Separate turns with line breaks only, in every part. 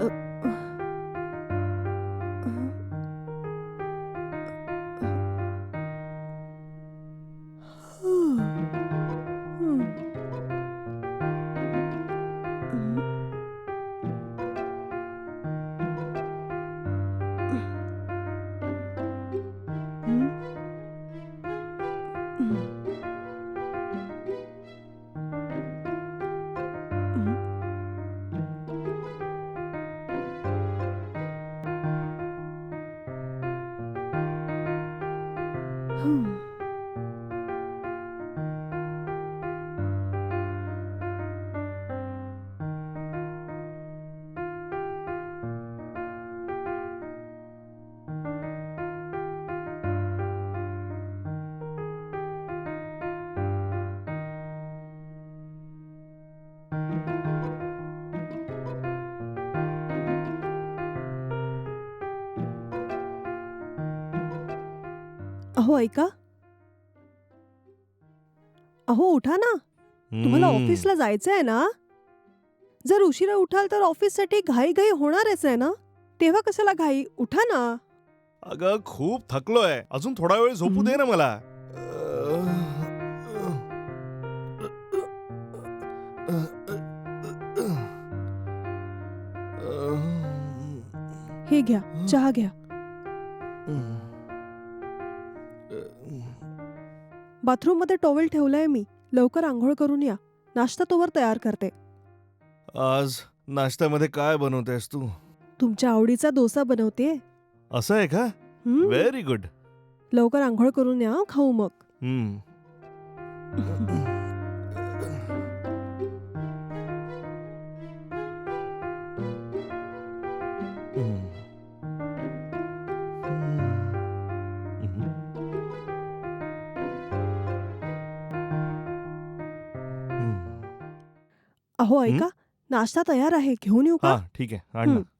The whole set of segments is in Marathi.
अ, अहो ऐका. अहो उठा ना. तुम्हाला
हम्म.
ऑफिसला जायचंय ना? जर उशिरा उठाल तर ऑफिससाठी घाई-घाई होणारच आहे ना? तेव्हा कशाला घाई? उठा ना.
अगं खूप थकलोय. अजून थोडा वेळ झोपू दे ना मला.
हे घ्या, चहा घ्या. बाथरूममध्ये टॉवेल ठेवलाय मी. लवकर अंघोळ करून या. नाश्ता तोवर तयार करते.
आज नाश्त्यामध्ये काय बनवतेस तू?
तुमच्या आवडीचा डोसा बनवतेय.
असं आहे का? Very good.
लवकर अंघोळ करून या, खाऊ मग. अहो ऐका, नाश्ता तयार आहे. घेऊन येऊ का?
हा ठीक आहे, आण ना.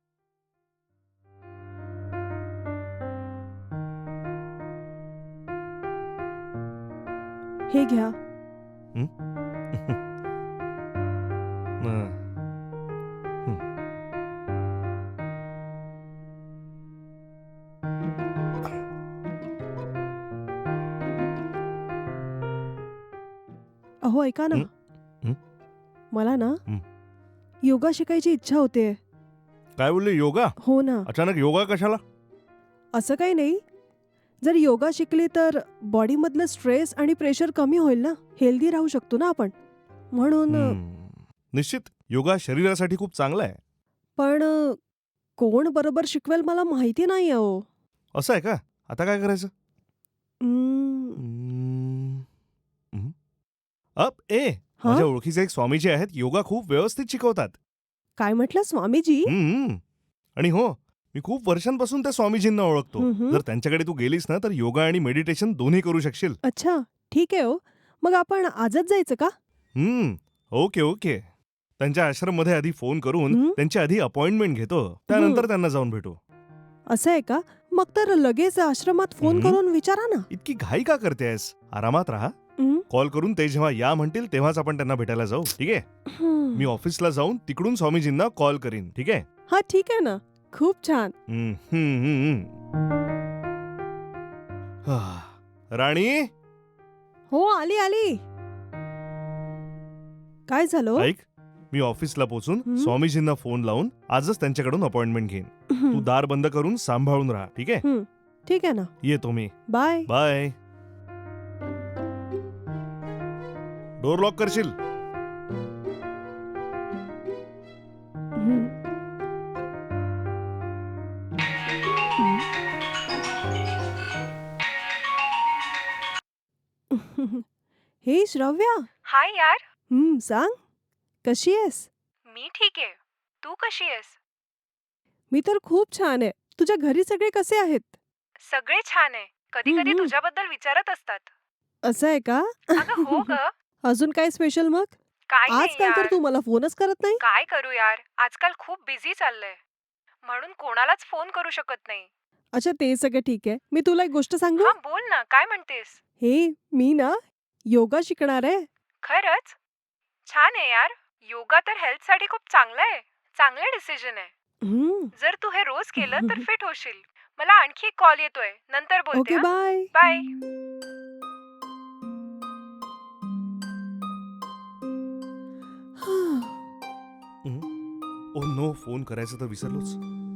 हे घ्या. अहो ऐका ना. मला ना योगा शिकायची इच्छा होते.
काय बोलले, योगा?
हो ना.
अचानक योगा कशाला?
असं काही नाही. जर योगा शिकली तर बॉडीमधलं स्ट्रेस आणि प्रेशर कमी होईल ना. हेल्दी राहू शकतो ना आपण. म्हणून
निश्चित योगा शरीरासाठी खूप चांगला आहे.
पण कोण बरोबर शिकवेल मला माहिती नाही अहो.
असं आहे का? आता काय करायचं?
हा?
माझ्या ओळखीचे एक स्वामीजी आहेत, योगा खूप व्यवस्थित शिकवतात.
काय म्हटलं स्वामीजी?
आणि हो, मी खूप वर्षांपासून त्या स्वामीजींना ओळखतो. जर त्यांच्याकडे तू गेलीस ना तर योगा आणि मेडिटेशन दोन्ही करू शकशील.
अच्छा, ठीक आहे हो. मग आपण आजच जायचं का?
Okay okay. त्यांच्या आश्रम मध्ये आधी फोन करून त्यांची आधी अपॉइंटमेंट घेतो, त्यानंतर त्यांना जाऊन भेटू.
असं आहे का? मग तर लगेच आश्रमात फोन करून विचारा ना.
इतकी घाई का करतेस? आरामात राहा. कॉल करून ते जेव्हा या म्हणतील तेव्हाच आपण त्यांना भेटायला जाऊ, ठीक आहे? मी ऑफिसला जाऊन तिकडून स्वामीजींना कॉल करीन, ठीक आहे?
हा ठीक आहे ना. खूप छान.
राणी,
हो आली आली. काय झालं?
ऐक, मी ऑफिसला पोहोचून स्वामीजींना फोन लावून आजच त्यांच्याकडून अपॉइंटमेंट घेईन. तू दार बंद करून सांभाळून राहा, ठीक आहे?
ठीक आहे ना.
येतो मी.
बाय.
बाय. डोर लॉक करशील?
हे श्रव्या.
हाय यार.
सांग. कशी आहेस?
मी ठीक आहे. तू कशी आहेस?
मी तर खूप छान आहे. तुझ्या घरी सगळे कसे आहेत?
सगळे छान आहे. कधी कधी तुझ्याबद्दल विचारत असतात.
असं आहे का?
अगं हो ग.
अजून काय स्पेशल मग?
काय नाही
आजकाल तर
यार.
तू मला फोनच करत नाही.
काय करू यार, आजकाल खूप बिझी चाललंय, म्हणून कोणालाच फोन करू शकत नाही.
अच्छा ते सगळं ठीक आहे. मी तुला एक गोष्ट सांगू?
हा बोल ना, काय म्हणतेस?
हे मी ना योगा शिकणार आहे.
खरंच? छान आहे यार. योगा तर हेल्थ साठी खूप चांगलं आहे. चांगलं डिसिजन आहे.
हम्म.
जर तू हे रोज केलं तर फिट होशील. मला आणखी एक कॉल येतोय, नंतर बोलते.
Okay, bye.
Bye.
Oh no, phone करायचं तर विसरलोच.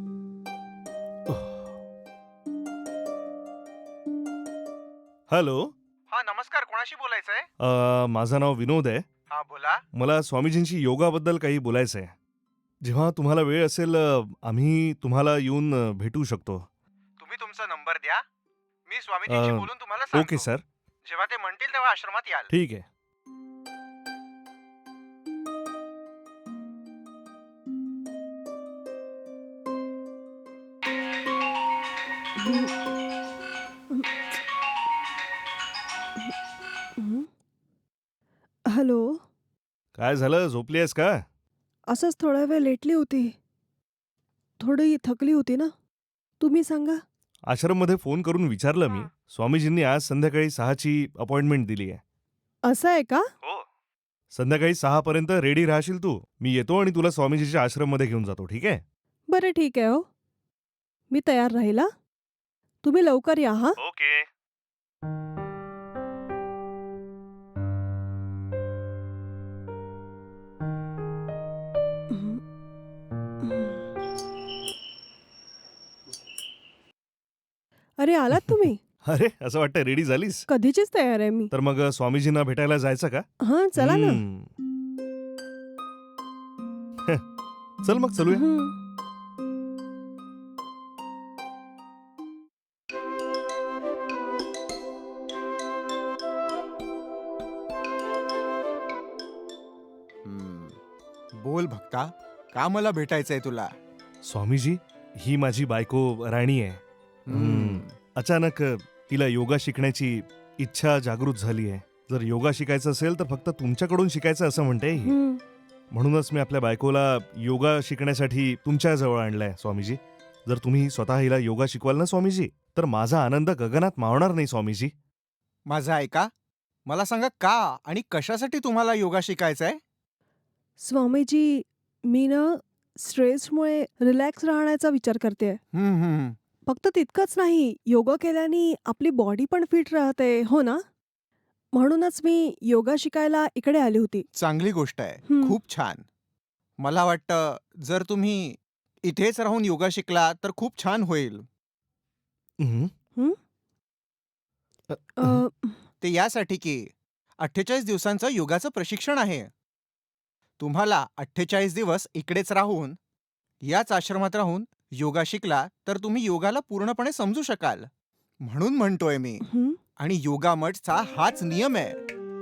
हॅलो.
हा नमस्कार, कोणाशी बोलायचंय?
माझं नाव विनोद आहे.
हा बोला.
मला स्वामीजींशी योगाबद्दल काही बोलायचं आहे. जेव्हा तुम्हाला वेळ असेल आम्ही तुम्हाला येऊन भेटू शकतो.
तुम्ही तुमचा नंबर द्या, मी स्वामीजींशी बोलून तुम्हाला सांगतो.
Okay sir.
जेव्हा ते म्हणतील तेव्हा आश्रमात याल.
ठीक आहे.
हॅलो.
काय झालं, झोपली आहेस का?
असंच थोडा वेळ लेटली होती. थोडी थकली होती ना. तुम्ही सांगा.
आश्रममध्ये फोन करून विचारलं मी. स्वामीजींनी आज संध्याकाळी 6ची अपॉइंटमेंट दिली आहे.
असं आहे का?
हो. संध्याकाळी 6 पर्यंत रेडी राहशील तू. मी येतो आणि तुला स्वामीजीच्या आश्रममध्ये घेऊन जातो. ठीक आहे?
बरं, ठीक आहे. हो, मी तयार राहील. तुम्ही लवकर या. हा.
ओके.
अरे, आलात तुम्ही?
अरे, असं वाटतं रेडी झालीस.
कधीचीच तयार आहे मी.
तर मग स्वामीजींना भेटायला जायचं का?
हा, चला ना.
चल मग चलूया.
बोल भक्ता, का मला भेटायचंय तुला?
स्वामीजी, ही माझी बायको राणी आहे. अचानक तिला योगा शिकण्याची इच्छा जागृत झाली आहे. जर योगा शिकायचं असेल तर फक्त तुमच्याकडून शिकायचं असं म्हणते ही. म्हणूनच मी आपल्या बायकोला योगा शिकण्यासाठी तुमच्या जवळ आणलंय स्वामीजी. जर तुम्ही स्वतः हिला योगा शिकवाल ना स्वामीजी, तर माझा आनंद गगनात मावणार नाही स्वामीजी.
माझं ऐका, मला सांगा का आणि कशासाठी तुम्हाला योगा शिकायचंय?
स्वामीजी, मी ना स्ट्रेसमुळे रिलॅक्स राहण्याचा विचार करते. फक्त तितकंच नाही, योगा केल्याने आपली बॉडी पण फिट राहते. हो ना? म्हणूनच मी योगा शिकायला इकडे आली होती.
चांगली गोष्ट आहे. खूप छान. मला वाटतं जर तुम्ही इथेच राहून योगा शिकला तर खूप छान होईल. ते यासाठी की 48 दिवसांचं योगाचं प्रशिक्षण आहे. तुम्हाला 48 दिवस इकडेच राहून, याच आश्रमात राहून योगा शिकला तर तुम्ही योगाला पूर्णपणे समजू शकाल. म्हणून म्हणतोय मी. आणि योगा मठचा हाच नियम आहे.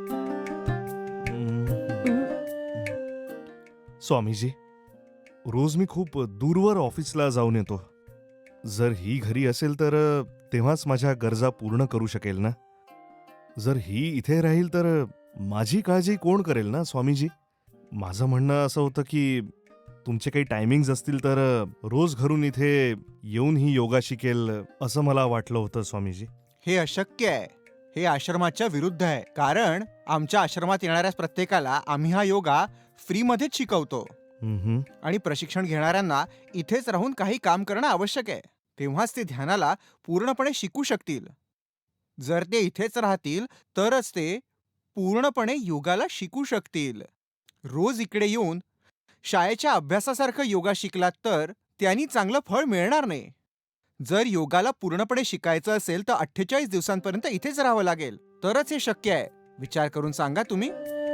स्वामीजी, रोज मी खूप दूरवर ऑफिसला जाऊन येतो. जर ही घरी असेल तर तेव्हाच माझ्या गरजा पूर्ण करू शकेल ना. जर ही इथे राहील तर माझी काळजी कोण करेल ना स्वामीजी. माझं म्हणणं असं होतं की तुमचे काही टायमिंग्स असतील तर रोज घरून इथे येऊन ही योगा शिकेल असं मला वाटलं होतं स्वामीजी.
हे अशक्य आहे. हे आश्रमाच्या विरुद्ध आहे. कारण आमच्या आश्रमात येणाऱ्या प्रत्येकाला आम्ही हा योगा फ्रीमध्येच शिकवतो. आणि प्रशिक्षण घेणाऱ्यांना इथेच राहून काही काम करणं आवश्यक आहे. तेव्हाच ते ध्यानाला पूर्णपणे शिकू शकतील. जर ते इथेच राहतील तरच ते पूर्णपणे योगाला शिकू शकतील. रोज इकडे येऊन शाळेच्या अभ्यासासारखं योगा शिकलात तर त्यांनी चांगलं फळ मिळणार नाही. जर योगाला पूर्णपणे शिकायचं असेल तर 48 दिवसांपर्यंत इथेच राहावं लागेल. तरच हे शक्य आहे. विचार करून सांगा तुम्ही.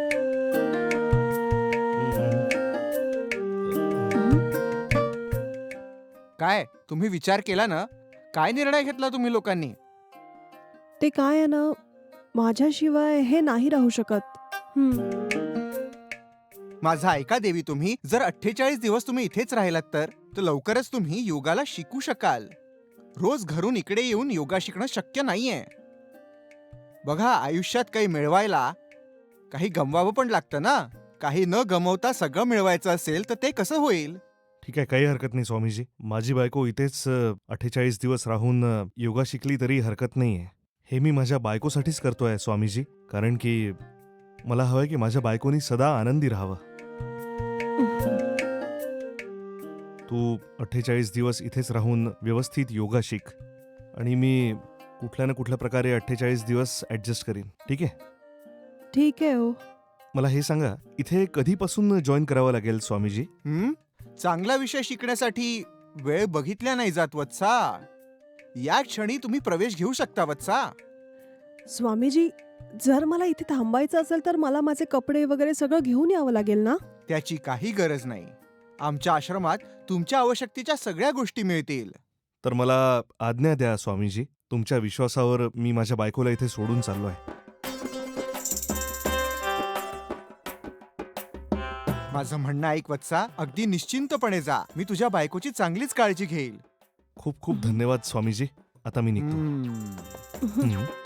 काय तुम्ही विचार केला ना? काय निर्णय घेतला तुम्ही लोकांनी?
ते काय आहे ना, माझ्याशिवाय हे नाही राहू शकत.
माझा ऐका देवी, तुम्ही जर 48 दिवस तुम्ही इथेच राहिलात तर लवकरच तुम्ही योगाला शिकू शकाल. रोज घरून इकडे येऊन योगा शिकणं शक्य नाहीये. बघा, आयुष्यात काही मिळवायला काही गमवावं पण लागतं ना. काही न गमवता सगळं मिळवायचं असेल तर ते कसं होईल?
ठीक आहे, काही हरकत नाही स्वामीजी. माझी बायको इथेच 48 दिवस राहून योगा शिकली तरी हरकत नाहीये. हे मी माझ्या बायकोसाठीच करतोय स्वामीजी. कारण की मला हवंय की माझ्या बायकोनी सदा आनंदी राहावं. तू 48 दिवस इथेच राहून व्यवस्थित योगा शिक आणि मी कुठल्या ना कुठल्या प्रकारे 48 दिवस ॲडजस्ट करीन. ठीक आहे?
ठीक आहे हो.
मला हे सांगा, इथे कधीपासून जॉईन करावं लागेल स्वामीजी?
चांगला विषय शिकण्यासाठी वेळ बघितल्या नाही जात वत्सा. या क्षणी तुम्ही प्रवेश घेऊ शकता वत्सा.
स्वामीजी, जर मला इथे थांबायचं असेल तर मला माझे कपडे वगैरे सगळं घेऊन यावं लागेल ना?
त्याची काही गरज नाही. आमच्या आश्रमात तुमच्या आवश्यकतेच्या सगळ्या गोष्टी मिळतील.
तर मला आज्ञा द्या स्वामीजी. तुमच्या विश्वासावर मी माझ्या बायकोला इथे सोडून चाललो आहे.
माझं म्हणणं ऐक वत्सा, अगदी निश्चिंतपणे जा. मी तुझ्या बायकोची चांगलीच काळजी घेईल.
खूप खूप धन्यवाद स्वामीजी. आता मी निघतो.
हम्म.
हं.